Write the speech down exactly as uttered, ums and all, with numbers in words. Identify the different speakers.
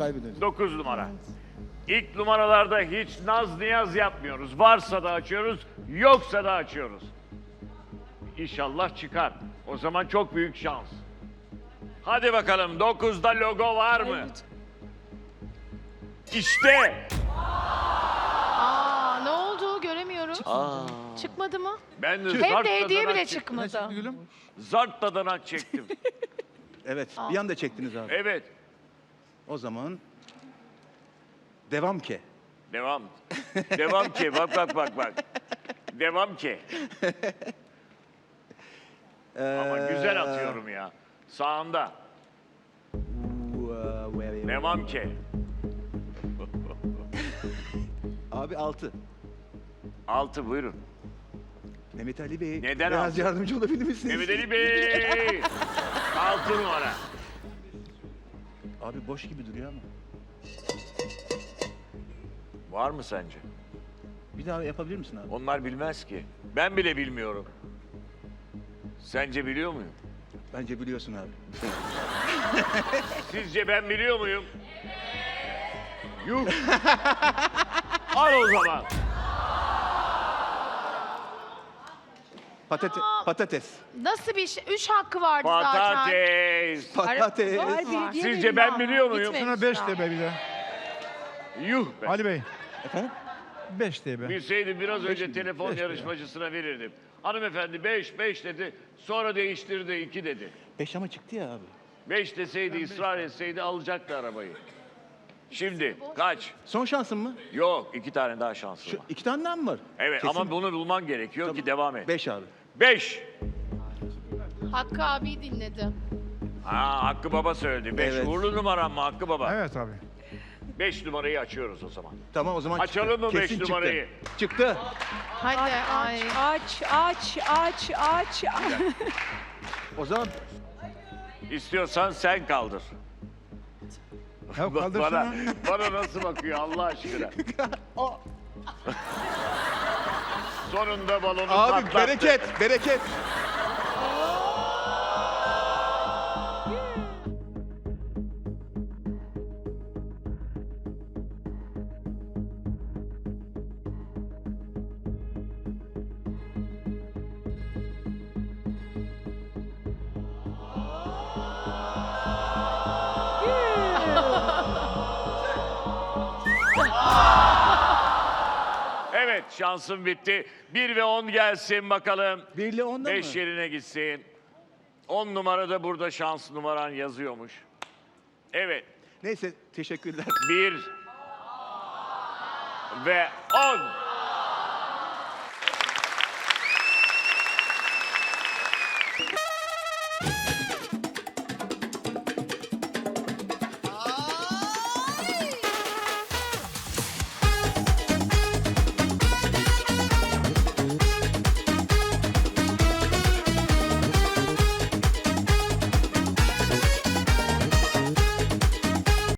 Speaker 1: kaybediyoruz.
Speaker 2: dokuz numara. İlk numaralarda hiç naz niyaz yapmıyoruz. Varsa da açıyoruz, yoksa da açıyoruz. İnşallah çıkar. O zaman çok büyük şans. Hadi bakalım, dokuzda logo var mı?
Speaker 3: Evet.
Speaker 2: İşte.
Speaker 4: Aa, ne oldu? Göremiyorum.
Speaker 2: Aa.
Speaker 4: Çıkmadı mı?
Speaker 2: Ben de
Speaker 4: Hem
Speaker 2: zart
Speaker 4: de hediye
Speaker 2: dadanak
Speaker 4: bile
Speaker 2: çektim.
Speaker 1: Ne çıktı
Speaker 4: çıkmadı.
Speaker 1: gülüm?
Speaker 2: Zart dadanak çektim.
Speaker 1: Evet, bir anda çektiniz abi.
Speaker 2: Evet.
Speaker 1: O zaman devam ki.
Speaker 2: Devam. Devam ki. Bak bak bak bak. Devam ki. Ama güzel atıyorum ya. Sağında. Devam ki.
Speaker 1: Abi altı.
Speaker 2: Altı buyurun.
Speaker 1: Mehmet Ali Bey.
Speaker 2: Neden
Speaker 1: biraz
Speaker 2: altı?
Speaker 1: yardımcı olabilir misiniz?
Speaker 2: Mehmet Ali Bey. Altı numara.
Speaker 1: Abi boş gibi duruyor ama.
Speaker 2: Var mı sence?
Speaker 1: Bir daha yapabilir misin abi?
Speaker 2: Onlar bilmez ki. Ben bile bilmiyorum. Sence biliyor muyum?
Speaker 1: Bence biliyorsun abi.
Speaker 2: Sizce ben biliyor muyum? Yuh. Al o zaman.
Speaker 1: Patate, patates.
Speaker 4: Nasıl bir şey? Üç hakkı vardı zaten.
Speaker 2: Patates.
Speaker 1: Patates.
Speaker 3: Var,
Speaker 4: Var.
Speaker 3: bilgi
Speaker 2: Sizce
Speaker 3: verin
Speaker 2: ben
Speaker 3: ama.
Speaker 2: biliyor muyum?
Speaker 4: Bitmemiş
Speaker 5: Şuna beş
Speaker 4: daha.
Speaker 5: de be bir de.
Speaker 2: Yuh be.
Speaker 5: Ali Bey,
Speaker 1: Efendim?
Speaker 5: beş de be.
Speaker 2: Bilseydim biraz önce
Speaker 1: mi?
Speaker 2: telefon
Speaker 1: Beş mi?
Speaker 2: yarışmacısına verirdim. Hanımefendi beş, beş dedi. Sonra değiştirdi, iki dedi.
Speaker 1: Beş ama çıktı ya abi.
Speaker 2: Beş deseydi, ısrar etseydi alacaktı arabayı. Şimdi kaç?
Speaker 1: Son şansın mı?
Speaker 2: Yok, iki tane daha şansı
Speaker 1: Şu
Speaker 2: var.
Speaker 1: iki tane daha mı var?
Speaker 2: Evet
Speaker 1: Kesin.
Speaker 2: ama bunu bulman gerekiyor ki devam et.
Speaker 1: Beş abi.
Speaker 2: Beş.
Speaker 4: Hakkı abi dinledi.
Speaker 2: Ha, Hakkı Baba söyledi. Beş.
Speaker 1: Evet.
Speaker 2: Uğurlu numaram mı Hakkı Baba?
Speaker 5: Evet abi.
Speaker 2: Beş numarayı açıyoruz o zaman.
Speaker 1: Tamam o zaman
Speaker 2: Açalım
Speaker 1: çıktı.
Speaker 2: mı beş
Speaker 1: Kesin
Speaker 2: numarayı?
Speaker 1: Çıktı. Çıktı.
Speaker 4: Hadi ay.
Speaker 3: Aç, aç, aç, aç, aç.
Speaker 1: O zaman
Speaker 2: İstiyorsan sen kaldır.
Speaker 5: Ya
Speaker 2: Bana,
Speaker 5: kaldırsana.
Speaker 2: bana nasıl bakıyor Allah aşkına? Sonunda balonu
Speaker 1: abi
Speaker 2: patlattı.
Speaker 1: bereket, bereket.
Speaker 2: Evet şansım bitti. Bir ve on gelsin bakalım.
Speaker 1: Bir ile onda
Speaker 2: Beş
Speaker 1: mı?
Speaker 2: yerine gitsin. On numarada burada şans numaran yazıyormuş. Evet.
Speaker 1: Neyse teşekkürler.
Speaker 2: Bir ve on.